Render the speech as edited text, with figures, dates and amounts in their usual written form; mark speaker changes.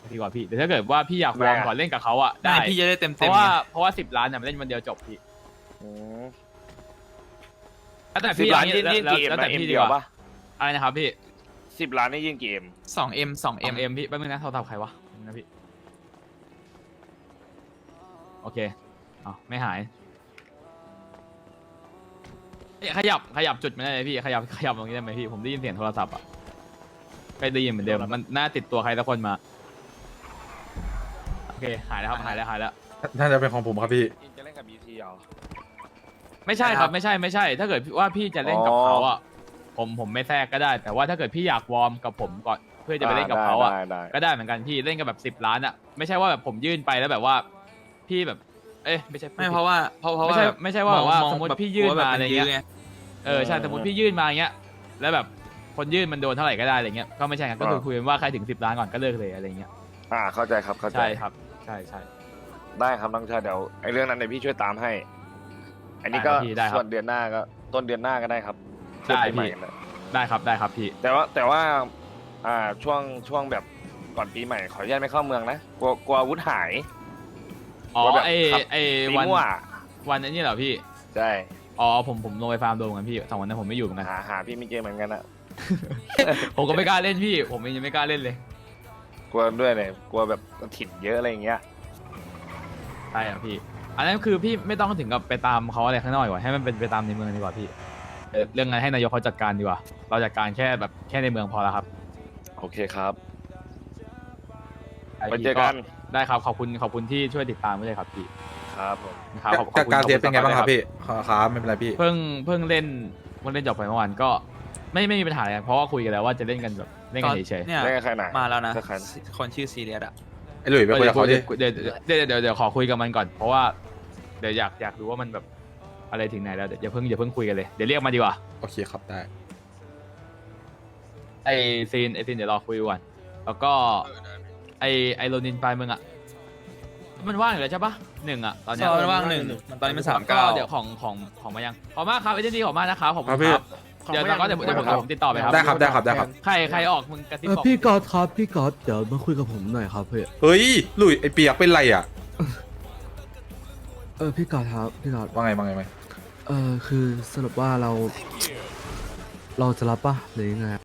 Speaker 1: ดีกว่าพี่แต่ถ้าเกิดว่าพี่อยากวอร์มก่อนเล่นกับเขาอ่ะได้
Speaker 2: พี่จะได้เต็ม
Speaker 1: เพ
Speaker 2: เต็ม
Speaker 1: ราะว่า10 ล้านเนี่ยมันเล่นวันเดียวจบพี่
Speaker 3: อืม
Speaker 1: แล้วแต่
Speaker 3: สิบ
Speaker 1: พี่
Speaker 3: ล้าน
Speaker 1: เอ
Speaker 3: ยื่นกี่เอ็ม
Speaker 1: แล้ว
Speaker 3: นะ
Speaker 1: แต่
Speaker 3: เอ็ม
Speaker 1: พี่ดี
Speaker 3: เดีย
Speaker 1: ก
Speaker 3: ว
Speaker 1: ว่า
Speaker 3: ปะ
Speaker 1: อะไรนะครับพี่
Speaker 3: 10 ล้านนี่ยื่นกี่เอ็ม
Speaker 2: 2M 2M
Speaker 1: เอ็มพี่แป๊บนึงนะโทรศัพท์ใครวะนะพี่โอเคอ๋อไม่หายเอ้ยขยับจุดไม่ได้เลยพี่ขยับตรงนี้ได้ไหมพี่ผมได้ยินเสียงโทรศัพท์อ่ะใกล้ได้ยินเหมือนเดิมมันน่าติดตัวใครสักคนมาโอเคหายแล้วครับหายแล้ว
Speaker 4: น่าจะเป็นของผมครับพี่
Speaker 3: จะเล่นกับ BT เหรอ
Speaker 1: ไม่ใช่ครับไม่ใช่ถ้าเกิดว่าพี่จะเล่นกับเขาอ่ะผมไม่แทรกก็ได้ แต่ว่าถ้าเกิดพี่อยากวอร์มกับผมก่อนเพื่อจะไปเล่นกับเขาอ่ะ
Speaker 3: ได้
Speaker 1: ก็ได้เหมือนกันพี่เล่นกับแบบ10 ล้านอ่ะไม่ใช่ว่าแบบผมยื่นไปแล้วแบบว่าพี่แบบเอ้ยไม่ใช่
Speaker 2: ไม่เพราะว่า
Speaker 1: ไม่ใช่ว่าแบบว่าสมมติพี่ยื่นมาอะไรเงี้ย
Speaker 2: ไง
Speaker 1: ใช่สมมติพี่ยื่นมาอย่างเงี้ยแล้วแบบคนยื่นมันโดนเท่าไหร่ก็ได้อะไรเงี้ยก็ไม่ใช่ครับก็คือคุยกันว่าใครถึง10 ล้านก่อนก็เลิกเลยอะไรเงี้ย
Speaker 3: เข้าใจครับเข้าใจ
Speaker 1: ใช่ครับใช่
Speaker 3: ได้ครับน้องชายเดี๋ยวไอ้เรื่องนั้นเดี๋ยวพี่ช่วยตามให้ อันนี้ก็
Speaker 1: ได้ครับ
Speaker 3: ส่วนเดือนหน้าก็ต้นเดือนหน้าก็ได้ครับ
Speaker 1: ได้พี่
Speaker 3: เทียบปีใหม่กันนะ
Speaker 1: ได้ครับพี่
Speaker 3: แต่ว่าช่วงแบบก่อนปีใหม่ขออนุญาตไม่เข้าเมืองนะกลัวอาวุธหาย
Speaker 1: อ๋อ
Speaker 3: ว่าแบบ
Speaker 1: ไอ
Speaker 3: ขับ
Speaker 1: ไอ
Speaker 3: ตี
Speaker 1: วัน
Speaker 3: มั่ว
Speaker 1: วันนี้เหรอพี่
Speaker 3: ใช่
Speaker 1: อ๋อผมลงไปฟาร์มโดนกันพี่2 วันนั้นผมไม่อยู่เหมือนกัน
Speaker 3: หาพี่ไม่เจอเหมือนกันอะ
Speaker 1: ผมก็ไม่กล้าเล่นพี่ผมเองยังไม่กล้าเล่นเลย
Speaker 3: กลัวด้วยเนี่ยกลัวแบบถิ่นเยอะอะไรอย่างเงี้ย
Speaker 1: ใช่ครับพี่อันนั้นคือพี่ไม่ต้องถึงกับไปตามเขาอะไรข้างนอกดีกว่าให้มันเป็นไปตามในเมืองดีกว่าพี่เรื่องงานให้นายกเขาจัดการดีกว่าเราจัดการแค่แบบแค่ในเมืองพอแล้วครับ
Speaker 3: โอเคครับ
Speaker 1: อ้
Speaker 3: ไป
Speaker 1: พี่
Speaker 3: เจอกัน
Speaker 1: ได้ครับขอบคุณที่ช่วยติดตามด้วยครับพี่
Speaker 3: ครับผม
Speaker 1: ครับขอบคุณ
Speaker 4: การเทียบเป็นไงบ้างครับ
Speaker 1: ขอณ
Speaker 4: พี่ครับไม่เป็นไรพี่
Speaker 1: เพิ่งเล่นจบไปเมื่อวานก็ไม่มีปัญหาอะไรเพราะว่าคุยกันแล้วว่าจะเล่นกันแบบเล่นกันเฉยๆ
Speaker 2: เนี่ย
Speaker 3: เล่นกับใครหนา
Speaker 2: มาแล้วนะ
Speaker 3: เล่นกับใคร
Speaker 2: คนชื่อซีเรียสอะ
Speaker 4: ไอ้หลุยไปคุยกับเขาดิ
Speaker 1: เดี๋ยวขอคุยกับมันก่อนเพราะว่าเดี๋ยวอยากดูว่ามันแบบอะไรถึงไหนแล้วเดี๋ยวอย่าเพิ่งคุยกันเลยเดี๋ยวเรียกมาดีกว่า
Speaker 4: โอเคครับได้
Speaker 1: ไอซีนเดี๋ยวรอคุยก่อนแล้วก็ไอโรนินปลายเมืองอ่ะมันว่างอยู่แล้วใช่ปะ1อ่ะตอนเนี้ย
Speaker 2: มันว่าง1มันตอนนี้มัน
Speaker 1: ก็
Speaker 2: 39
Speaker 1: เดี๋ยวของมายังขอบมากครับเอเจนซี่ขอบมากนะครับขอบคุ
Speaker 4: ครั
Speaker 1: ณ
Speaker 4: บพี่
Speaker 1: ครับเดี๋ยวผมติดต่อไปครับ
Speaker 4: ได้ครับได้ครับได้ครับ
Speaker 1: ใครออกมึงกระซิบบอก
Speaker 5: พี่ก๊อตครับพี่ก๊อตเดี๋ยวมาคุยกับผมหน่อยครับพี่
Speaker 4: เฮ้ยหลุยไอ้เปียกเป็นไรอ่ะ
Speaker 5: พี่ก๊อตครับพี่ก๊อต
Speaker 4: ว่าไงว่าไงไหม
Speaker 5: คือสรุปว่าเราจะรับปะหรือยังไง